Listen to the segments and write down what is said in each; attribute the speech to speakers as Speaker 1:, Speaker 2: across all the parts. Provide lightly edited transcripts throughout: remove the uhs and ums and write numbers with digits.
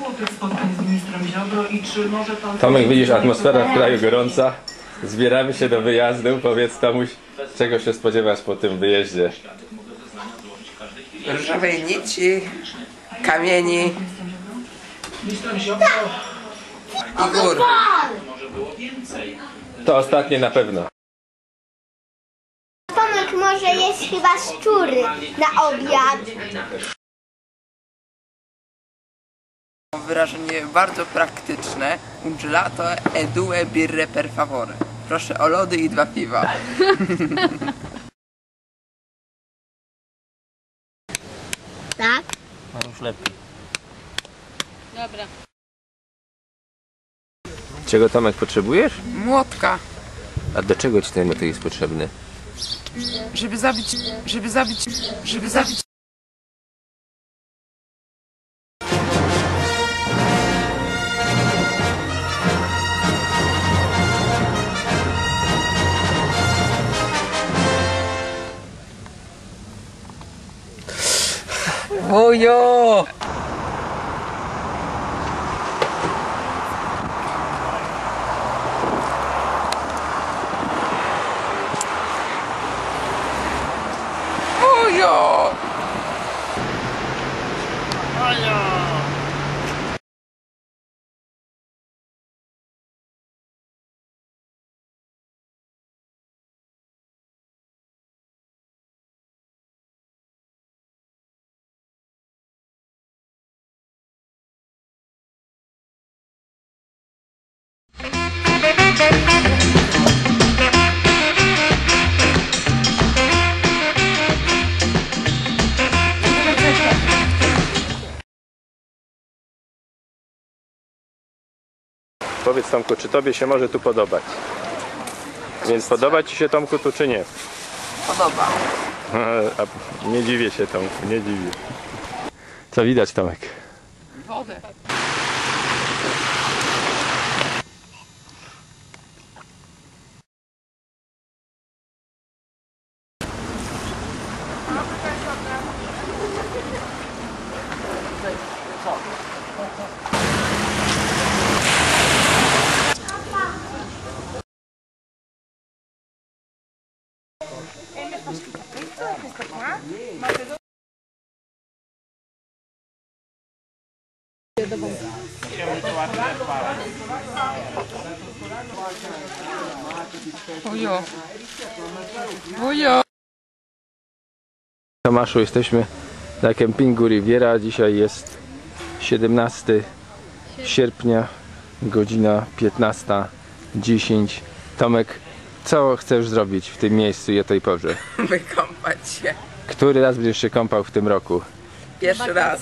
Speaker 1: tych spotkań z ministrem Ziobro i czy może pan...
Speaker 2: Tomek, widzisz, atmosfera w kraju gorąca. Zbieramy się do wyjazdu. Powiedz Tomuś, czego się spodziewasz po tym wyjeździe?
Speaker 3: Różowej nici, kamieni i gór.
Speaker 2: To ostatnie na pewno.
Speaker 4: Tomek może jeść chyba szczury na obiad.
Speaker 3: Wyrażenie bardzo praktyczne. Un gelato e due birre per favore. Proszę o lody i 2 piwa.
Speaker 4: Tak?
Speaker 5: Już lepiej.
Speaker 6: Dobra.
Speaker 2: Czego, Tomek, potrzebujesz?
Speaker 3: Młotka,
Speaker 2: A do czego ci ten młotek jest potrzebny?
Speaker 3: żeby zabić.
Speaker 2: Ojo!
Speaker 3: Ojo!
Speaker 2: Powiedz, Tomku, czy tobie się może tu podobać? Więc podoba ci się, Tomku, tu czy nie?
Speaker 3: Podoba.
Speaker 2: A nie dziwię się, Tomku, nie dziwię. Co widać, Tomek?
Speaker 3: Wodę. Ojo. Ojo.
Speaker 2: Tomaszu, jesteśmy na kempingu Riviera. Dzisiaj jest 17 sierpnia, godzina 15:10. Tomek, co chcesz zrobić w tym miejscu i o tej porze?
Speaker 3: Wykąpać się.
Speaker 2: Który raz będziesz się kąpał w tym roku?
Speaker 3: Pierwszy raz.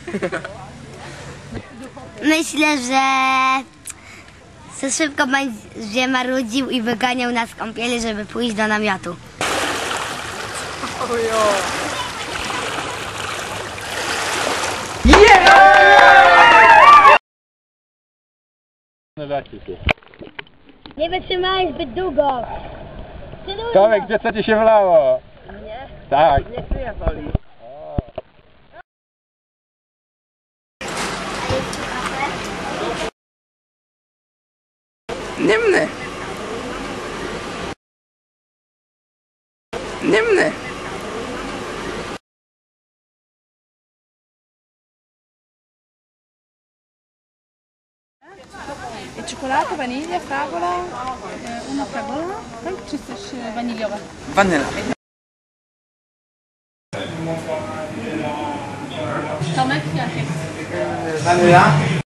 Speaker 4: Myślę, że za szybko będzie marudził i wyganiał nas z kąpieli, żeby pójść do namiotu.
Speaker 3: Ojo.
Speaker 4: Nie wytrzymałeś zbyt długo.
Speaker 2: Tomek, gdzie co ci się wlało?
Speaker 3: Nie?
Speaker 2: Tak.
Speaker 3: Nie kryję woli. Niemny. Niemny.
Speaker 6: Cioccolato, vaniglia, fragola, una fragola, tak? Czy coś waniliowe?
Speaker 3: Wanyla.
Speaker 6: Tomek, jakie?
Speaker 3: Wanyla.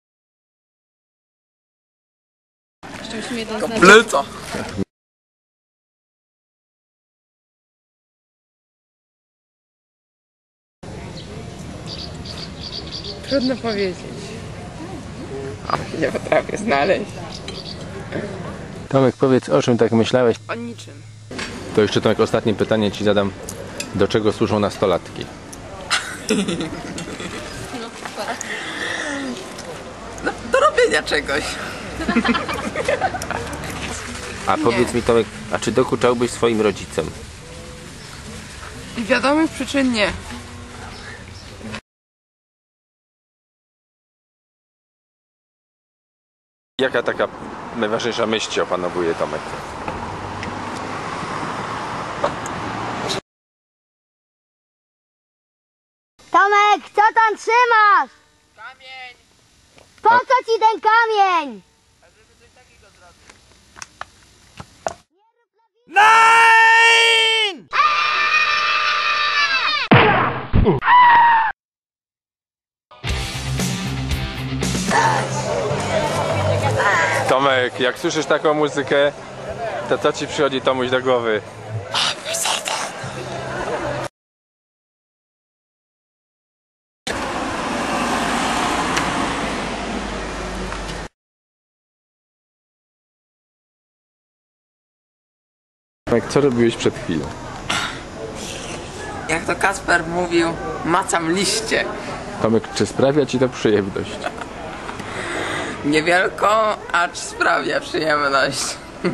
Speaker 6: Jeszcze musimy jeden znać.
Speaker 3: Kompleto. Trudno powiedzieć. Nie potrafię znaleźć.
Speaker 2: Tomek, powiedz, o czym tak myślałeś?
Speaker 3: O niczym.
Speaker 2: To jeszcze, Tomek, ostatnie pytanie ci zadam. Do czego służą nastolatki?
Speaker 3: Do robienia czegoś.
Speaker 2: A powiedz mi, Tomek, a czy dokuczałbyś swoim rodzicom?
Speaker 3: I wiadomych przyczyn nie.
Speaker 2: Jaka taka najważniejsza myśl Cię opanowuje, Tomek?
Speaker 4: Tomek, co tam trzymasz?
Speaker 3: Kamień!
Speaker 4: Po co ci ten kamień?
Speaker 2: Tomek, jak słyszysz taką muzykę, to co Ci przychodzi Tomuś do głowy? Tomek, co robiłeś przed chwilą?
Speaker 3: Jak to Kasper mówił, macam liście.
Speaker 2: Tomek, czy sprawia Ci to przyjemność?
Speaker 3: Niewielką, acz sprawia przyjemność.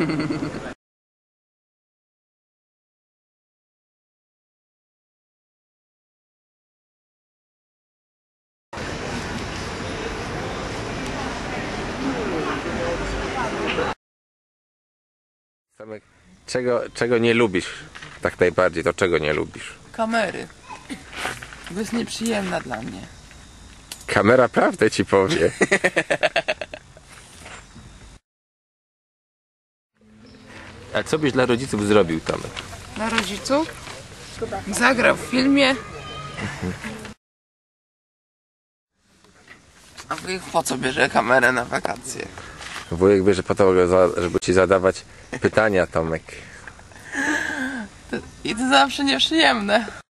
Speaker 2: Tomek, czego nie lubisz tak najbardziej, to czego nie lubisz?
Speaker 3: Kamery. To jest nieprzyjemna dla mnie.
Speaker 2: Kamera prawdę Ci powie. A co byś dla rodziców zrobił, Tomek?
Speaker 3: Dla rodziców? Zagrał w filmie. A wujek po co bierze kamerę na wakacje?
Speaker 2: Wujek bierze po to, żeby Ci zadawać pytania, Tomek.
Speaker 3: I to zawsze nieprzyjemne.